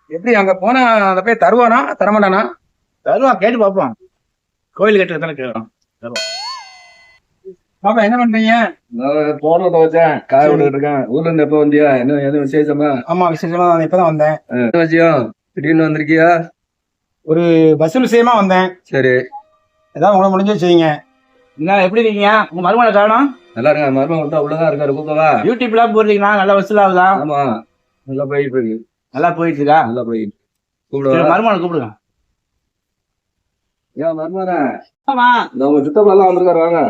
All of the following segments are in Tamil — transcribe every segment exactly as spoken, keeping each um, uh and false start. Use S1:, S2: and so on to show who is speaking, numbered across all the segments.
S1: எப்படி அங்க போனா அந்த போய் தருவானா தரமாட்டானா?
S2: தருவான், கேட்டு பார்ப்போம். கோயில் கட்டுறதானே கேட்கறோம்.
S1: பாப்பா என்ன பண்றீங்க?
S3: போன வச்சேன், காய விட்டுட்டு இருக்கேன். ஊர்ல இருந்து எப்ப வந்தியா? என்ன எதுவும் விசேஷமா?
S1: ஆமா விசேஷமா தான் இப்பதான் வந்தேன்.
S3: என்ன விஷயம்? திடீர்னு வந்திருக்கியா?
S1: ஒரு பஸ் விஷயமா வந்தேன்.
S3: சரி,
S1: ஏதாவது உங்களை முடிஞ்சு வச்சுக்கீங்க.
S2: என்ன எப்படி இருக்கீங்க? உங்க மருமனை காணும்?
S3: நல்லா இருக்க. மருமகன் விட்டா உள்ளதான் இருக்காரு, கூப்பிடவா?
S2: யூடியூப்ல போடுறீங்களா? நல்லா வசூல் ஆகுதா?
S3: ஆமா, நல்லா போயிட்டு இருக்கு.
S2: நல்லா போயிட்டு இருக்கா?
S3: நல்லா போயிட்டு
S2: சரி,
S3: கூப்பிடுவா?
S2: மருமனை கூப்பிடுங்க.
S3: ஏன் மருமகன?
S2: ஆமா,
S3: இந்த உங்க சித்தப்பா எல்லாம் வந்திருக்காரு, வாங்க.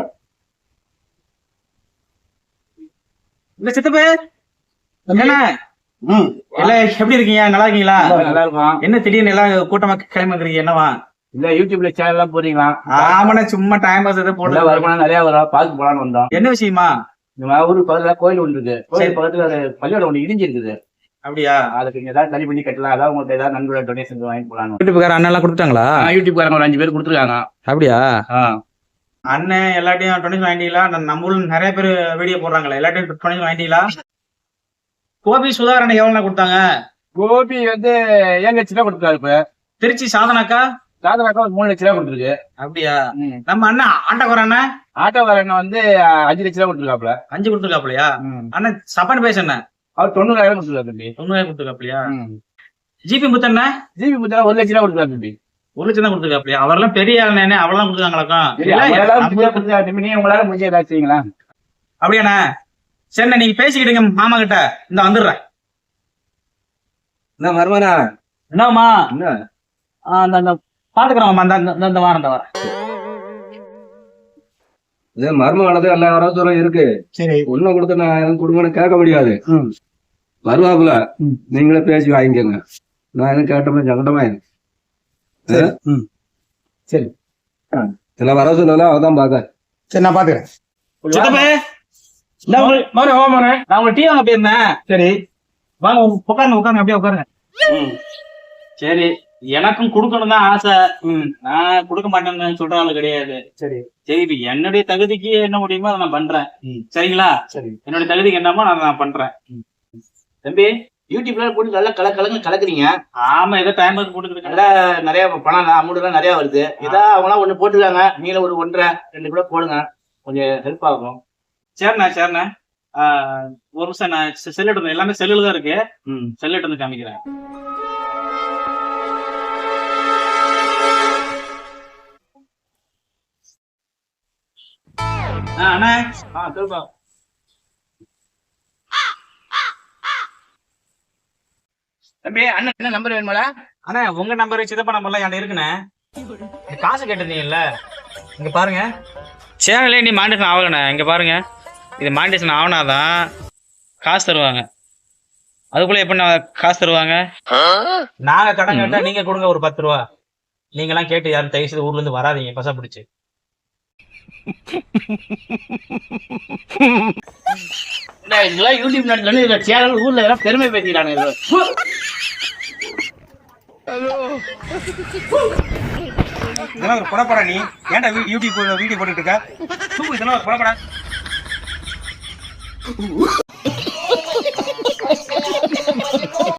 S2: இந்த சித்தப்பு என்ன
S1: ம்
S2: எல்லாம் எப்படி இருக்கீங்க? நல்லா இருக்கீங்களா?
S1: நல்லா இருக்கும்.
S2: என்ன திடீர்னு எல்லாம் கூட்டமா கிளம்பிக்கிறீங்க? என்னவா?
S1: இல்ல யூடியூப்ல சேனல் எல்லாம் போடுறீங்களா?
S2: ஆமாண்ணா, சும்மா டைம் பாஸ் எதாவது போட்டு
S1: வருமானம் நிறைய வரும், பார்த்து போலான்னு வந்தோம்.
S2: என்ன விஷயமா?
S1: இந்த ஊருக்கு பக்கத்துல கோயில் ஒன்று இருக்கு. கோயில் பக்கத்துல ஒரு பள்ளியோட ஒண்ணு இடிஞ்சு இருக்குது.
S2: அப்படியா?
S1: அதுக்கு நீங்க ஏதாவது தனி பண்ணி கட்டலாம். அதாவது உங்களுக்கு ஏதாவது நண்பரோட டொனேஷன் வாங்கி போலான்னு.
S2: யூடியூப்கார அண்ணன் எல்லாம் கொடுத்தாங்களா?
S1: யூடியூப்காரங்க ஒரு அஞ்சு பேர் கொடுத்துருக்காங்க.
S2: அப்படியா? அண்ணன் எல்லாத்தையும் டொனேஷன் வாங்கிட்டீங்களா? நம்ம ஊர்ல நிறைய பேர் வீடியோ போடுறாங்களா? எல்லாத்தையும் டொனேஷன் வாங்கிட்டீங்களா? கோபி சுதாரணை எவ்வளவு கொடுத்தாங்க?
S1: கோபி வந்து ஏழு லட்சம் ரூபாய் கொடுத்துருக்காரு. இப்ப
S2: திருச்சி சாதனாக்கா
S1: சாதனாக்கா ஒரு மூணு லட்சம் ரூபாய் கொடுத்துருக்கு.
S2: அப்படியா? நம்ம அண்ணன் ஆட்டோக்கார அண்ணன்
S1: ஆட்டோக்காரன் வந்து அஞ்சு லட்சம் ரூபாய் கொடுத்துருக்காப்ல.
S2: அஞ்சு கொடுத்துருக்காப்லையா? அண்ணன் சப்பான் பேச என்ன
S1: அவர் தொண்ணூறாயிரம் கொடுத்துருக்காரு தம்பி.
S2: தொண்ணூறாயிரம் கொடுத்துருக்காப்லையா? ஜிபி முத்தண்ண
S1: ஜிபி முத்தா ஒரு லட்சம் ரூபாய் கொடுத்துருக்காரு தம்பி.
S2: ஒரு லட்சம் தான் கொடுத்துருக்காப்லையா? அவரெல்லாம் பெரிய ஆளுநே, அவ்வளவு கொடுத்துருக்காங்களாக்கா?
S1: நீங்க உங்களால முடிஞ்ச ஏதாச்சும் செய்யுங்களா?
S2: அப்படியாண்ணா? சரிண்ணா, நீங்க பேசிக்கிட்டுங்க மாமா கிட்ட. இந்த வந்துடுறேன்.
S3: என்ன மருமகனா?
S2: என்னம்மா?
S3: என்ன
S2: அந்த பாத்துக்கிறோம்மா, இந்த வாரம் இந்த வாரம்
S3: இது மருமகனது எல்லா வரத்தூரம் இருக்கு.
S1: சரி,
S3: ஒன்னும் கொடுத்து நான் எனக்கு கொடுங்கன்னு கேட்க முடியாது.
S1: ம்
S3: வருவாப்புல, நீங்களே பேசி வாங்கிக்கோங்க. நான் எதுவும் கேட்டோம்னா சங்கடமா இருக்கு.
S1: ம் சரி,
S3: சில வர சொல்லலாம், அவதான் பாக்க.
S1: சரி நான் பாத்துக்கிறேன்.
S2: சித்தப்பே, நான் உங்க டீ வாங்க போயிருந்தேன்.
S1: சரி
S2: வாங்க, உட்காருங்க உட்காருங்க, அப்படியே உட்காருங்க. சரி, எனக்கும் கொடுக்கணும் தான் ஆசை. நான் கொடுக்க மாட்டேன்னு சொல்ற ஆளு கிடையாது.
S1: சரி
S2: சரி, இப்ப என்னுடைய தகுதிக்கு என்ன முடியுமோ அதை நான் பண்றேன். சரிங்களா?
S1: சரி,
S2: என்னுடைய தகுதிக்கு என்னமோ நான் நான் பண்றேன்.
S1: தம்பி யூடியூப்ல போட்டு நல்லா கல கலங்க கலக்குறீங்க.
S2: ஆமா, ஏதோ டைம் பாஸ் போட்டுக்கிட்டு
S1: நல்லா நிறைய பணம் அமௌண்ட் எல்லாம் நிறைய வருது. இதா அவங்களாம் ஒண்ணு போட்டுருக்காங்க, நீங்கள ஒரு ஒன்றரை ரெண்டு கூட போடுங்க, கொஞ்சம் ஹெல்ப் ஆகும்.
S2: சரிண்ணா சரிண்ணா. ஆஹ் ஒரு நிமிஷம், நான் செல் எடுத்து, எல்லாமே செல்லுல தான் இருக்கு. செல் எடுத்து வந்து காமிக்கிறேன். அண்ணா,
S1: ஆ சொல்லுப்பா. தம்பி அண்ணன் என்ன நம்பர் வேணுமாடா?
S2: அண்ணா உங்க நம்பர் சித்தப்பா நம்பர்லாம் என்கிட்ட இருக்குண்ணே. காசு கேட்டிருந்தீங்கல்ல, இங்க பாருங்க. சேனலே நீ மாண்டேஷன் ஆகலண்ணே. இங்க பாருங்க, இது மாண்டேஷன் ஆகனாதான் காசு தருவாங்க. அதுக்குள்ள எப்ப காசு தருவாங்க? நாங்க கடன் கேட்டா நீங்க கொடுங்க ஒரு பத்து ரூபா. நீங்க எல்லாம் கேட்டு யாரும் தயவு செய்து ஊர்ல இருந்து வராதீங்க, பசா பிடிச்சு.
S1: இதெல்லாம் யூடியூப் நடத்தணும், இதுல சேனல் ஊர்ல எல்லாம் பெருமை பேசிக்கிறாங்க.
S2: இதெல்லாம் ஒரு புறப்படா. நீ ஏன்டா யூடியூப் வீடியோ போட்டுட்டு இருக்க? இதெல்லாம் ஒரு புறப்படா.